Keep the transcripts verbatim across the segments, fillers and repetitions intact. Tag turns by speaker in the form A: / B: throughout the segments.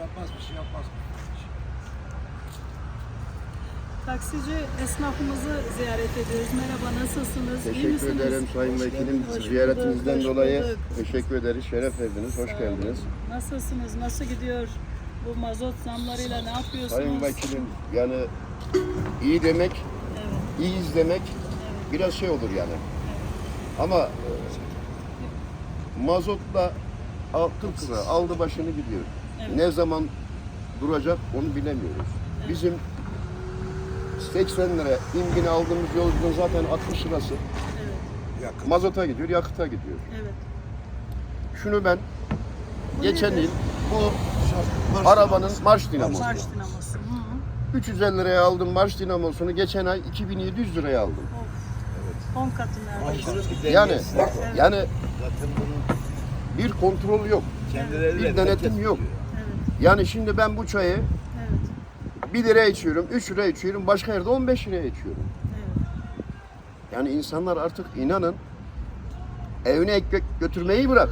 A: yapmaz, bir şey yapmaz.
B: Taksici esnafımızı ziyaret ediyoruz. Merhaba, nasılsınız? İyi
C: Teşekkür
B: misiniz?
C: ederim Sayın
B: Hoş
C: Vekilim.
B: geldiniz. Hoş
C: Ziyaretinizden
B: bulduk, hoş
C: dolayı
B: bulduk.
C: teşekkür ederiz. Şeref verdiniz. Hoş
B: Sağ
C: geldiniz.
B: olun. Nasılsınız? Nasıl gidiyor? Bu mazot zamlarıyla ne yapıyorsunuz?
C: Sayın Vekilim, yani iyi demek,
B: Evet,
C: iyiyiz demek biraz şey olur yani. Ama e, mazotla al- kırk lira aldı başını gidiyor.
B: Evet.
C: Ne zaman duracak onu bilemiyoruz. Bizim seksen lira imbini aldığımız yolculuğun zaten altmış lirası
B: evet,
A: Yakın.
C: mazota gidiyor, yakıta gidiyor.
B: evet.
C: Şunu ben
B: Bu
C: geçen
B: nedir?
C: yıl bu
A: Marş
C: arabanın
A: dinamosu.
C: marş dinamosu.
B: Marş dinamosu. Hı.
C: üç yüz elli liraya aldım marş dinamosunu. Geçen ay iki bin yedi yüz liraya aldım.
B: Of. on katı neredeyse.
C: Yani
B: Evet.
C: yani
A: Zaten bunun
C: bir kontrol yok.
A: kendileri
C: Bir denetim yok.
B: Evet,
C: Yani şimdi ben bu çayı
B: evet,
C: bir liraya içiyorum, üç liraya içiyorum, başka yerde on beş liraya içiyorum.
B: evet.
C: Yani insanlar artık inanın evine ekmek götürmeyi bırak.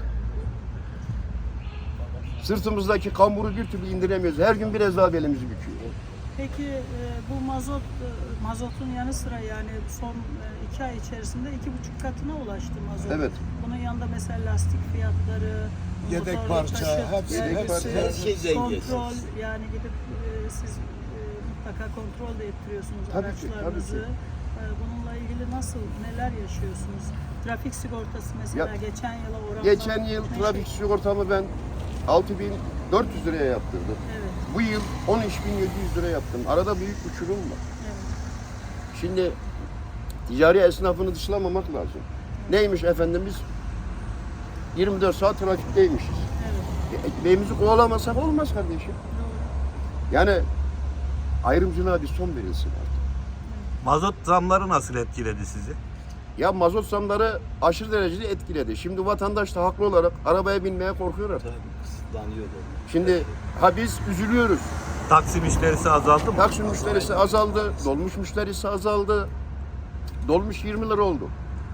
C: Sırtımızdaki kamburu bir türlü indiremiyoruz. Her gün biraz daha belimizi büküyor.
B: Peki e, bu mazot e, mazotun yanı sıra yani son e, iki ay içerisinde iki buçuk katına ulaştı mazot.
C: Evet.
B: Bunun yanında mesela lastik fiyatları,
A: Yedek
B: motorlu
A: parça,
B: taşıt
A: hepsi-
B: vergisi,
C: Yedek parça,
A: her şey dengesiz.
B: kontrol yani gidip e, siz e, mutlaka kontrol de ettiriyorsunuz
C: Tabii ki,
B: araçlarınızı.
C: tabii
B: E, bununla ilgili nasıl neler yaşıyorsunuz? Trafik sigortası mesela
C: Ya,
B: geçen yıla oranla
C: Geçen yıl
B: ne
C: trafik
B: şey-
C: sigortamı ben altı bin dört yüz liraya yaptırdım.
B: Evet,
C: Bu yıl on üç bin yedi yüz lira yaptım. Arada büyük uçurum var.
B: evet.
C: Şimdi ticari esnafını dışlamamak lazım. Neymiş efendim biz yirmi dört saat trafikteymişiz.
B: Evet.
C: E, Ekmeğimizi kovalamasak olmaz kardeşim.
B: Doğru.
C: Yani ayrımcılığa bir son verilsin artık.
D: Mazot zamları nasıl etkiledi sizi?
C: Ya mazot zamları aşırı derecede etkiledi. Şimdi vatandaş da haklı olarak arabaya binmeye korkuyor artık.
A: kısıtlanıyordu.
C: Şimdi ha biz üzülüyoruz.
D: Taksi müşterisi azaldı mı?
C: Taksi müşterisi azaldı, dolmuş müşterisi azaldı. Dolmuş yirmi lira oldu.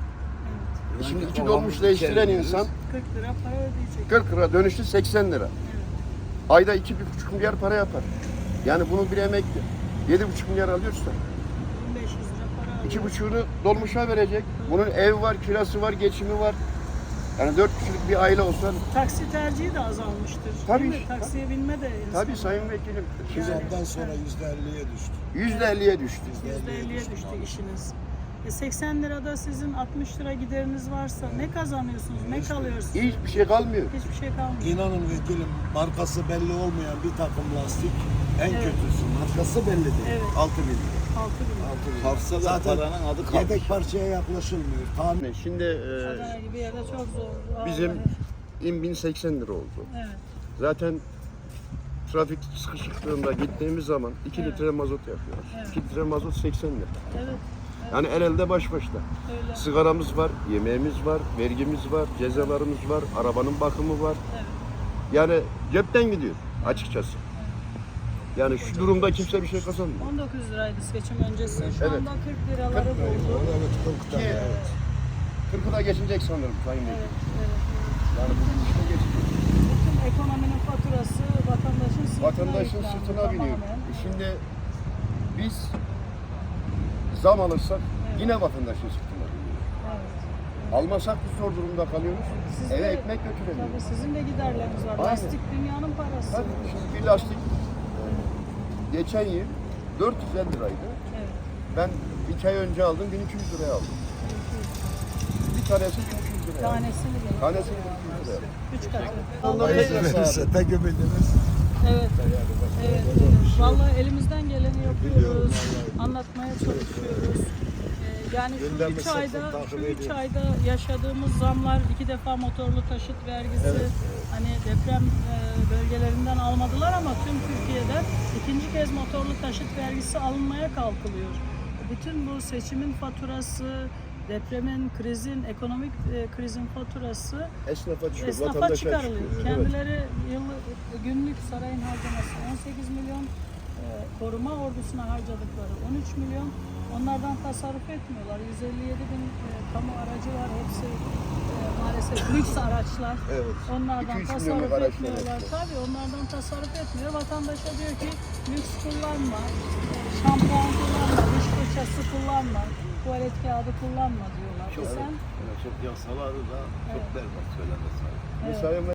C: E şimdi iki dolmuş değiştiren insan
B: kırk lira para ödeyecek.
C: kırk lira dönüşü seksen lira.
B: Evet.
C: Ayda iki buçuk milyar para yapar. Yani bunu bir emekli yedi buçuk milyar alıyorsa
B: bin beş yüz lira para alıyor.
C: iki buçuğunu dolmuşa verecek. Bunun ev var, kirası var, geçimi var. Yani dört kişilik bir aile olsa
B: Taksi tercihi de azalmıştır.
C: Tabii,
B: Değil mi? Taksiye binme de insan.
C: tabii sayın vekilim. Şimdi
A: Zamdan sonra yüzde elliye düştü.
C: yüzde elliye düştü.
B: yüzde elliye düştü işiniz. E seksen lirada sizin altmış lira gideriniz varsa ne kazanıyorsunuz, ne kalıyorsunuz?
C: Hiçbir şey kalmıyor.
B: Hiçbir şey kalmıyor.
A: İnanın vekilim markası belli olmayan bir takım lastik en
B: Evet.
A: kötüsü. Markası belli değil.
B: Evet.
A: altı bin lira.
B: altı bin.
A: altı bin.
E: Kalksa da
A: Zaten
E: paranın adı kalmış.
A: yedek parçaya yaklaşılmıyor. Tahmin
C: Şimdi e,
B: Adana gibi yerde çok zor.
C: bizim
B: Vallahi.
C: in bin seksen lira oldu.
B: Evet.
C: Zaten trafik sıkışıklığında gittiğimiz zaman iki
B: Evet.
C: litre mazot yakıyoruz.
B: Evet.
C: iki litre mazot seksen lira.
B: Evet.
C: Yani el elde baş başta.
B: Öyle.
C: Sigaramız var, yemeğimiz var, vergimiz var, cezalarımız var, arabanın bakımı var.
B: Evet.
C: Yani cepten gidiyor açıkçası. Yani şu durumda kimse bir şey kazanmıyor.
B: on dokuz liraydı seçim öncesi. Şu
C: Evet.
B: anda kırk liraları
C: kırk lira.
B: buldu.
A: evet kırkta.
C: Ki kırkı da geçecek sanırım Sayın Bey.
B: Evet, evet, evet.
C: Yani bugün işte geçecek.
B: Bütün ekonominin faturası vatandaşın sırtına
C: Vatandaşın
B: yüklendi
C: sırtına biniyor.
B: tamamen.
C: E Şimdi biz zam alırsak
B: Evet.
C: yine vatandaşın sırtına biniyor.
B: Evet.
C: Almasak biz zor durumda kalıyoruz.
B: Siz
C: Eve
B: de-
C: ekmek götüremiyoruz.
B: Tabii sizin de giderleriniz var.
C: Aynen.
B: Lastik dünyanın parası.
C: Tabii şimdi bir lastik geçen yıl dört yüz elli liraydı.
B: Evet.
C: Ben iki ay önce aldım bin iki yüz liraya aldım. Bir tanesi bin iki yüz liraya aldım.
B: Tanesini bile.
C: Tanesini bin iki yüz liraya.
B: Üç katı.
C: Allah
B: Vallahi,
C: razı olsun.
A: Verirse tek ümidimiz.
B: evet. Evet, evet. Vallahi elimizden geleni yapıyoruz. Anlatmaya çalışıyoruz. Ee, Yani şu
A: Gündemi
B: üç
A: sık sık
B: ayda,
A: takip
B: şu üç
A: ediyoruz.
B: ayda yaşadığımız zamlar, iki defa motorlu taşıt vergisi, hani deprem e, bölgelerinden almadılar ama tüm Türkiye'de ikinci kez motorlu taşıt vergisi alınmaya kalkılıyor. Bütün bu seçimin faturası, depremin, krizin, ekonomik e, krizin faturası
C: Esnafa çıkıyor,
B: esnafa
C: vatandaşa
B: çıkarılıyor.
C: çıkıyor. Evet.
B: Kendileri yıllık, günlük sarayın harcaması on sekiz milyon, e, koruma ordusuna harcadıkları on üç milyon, Onlardan tasarruf etmiyorlar. yüz elli yedi bin e, kamu aracı var. Hepsi e, maalesef lüks araçlar.
C: Evet.
B: Onlardan
C: iki üç
B: tasarruf
C: milyonluk araçlar
B: etmiyorlar.
C: hepsi.
B: Tabii onlardan tasarruf etmiyor. Vatandaşa diyor ki lüks kullanma, e, şampuan kullanma, diş fırçası kullanma, tuvalet kağıdı kullanma diyorlar.
E: Çok,
B: E sen
E: çok yasaları da çok
B: Evet.
E: berbat söylemesi.
B: evet.
C: Mesela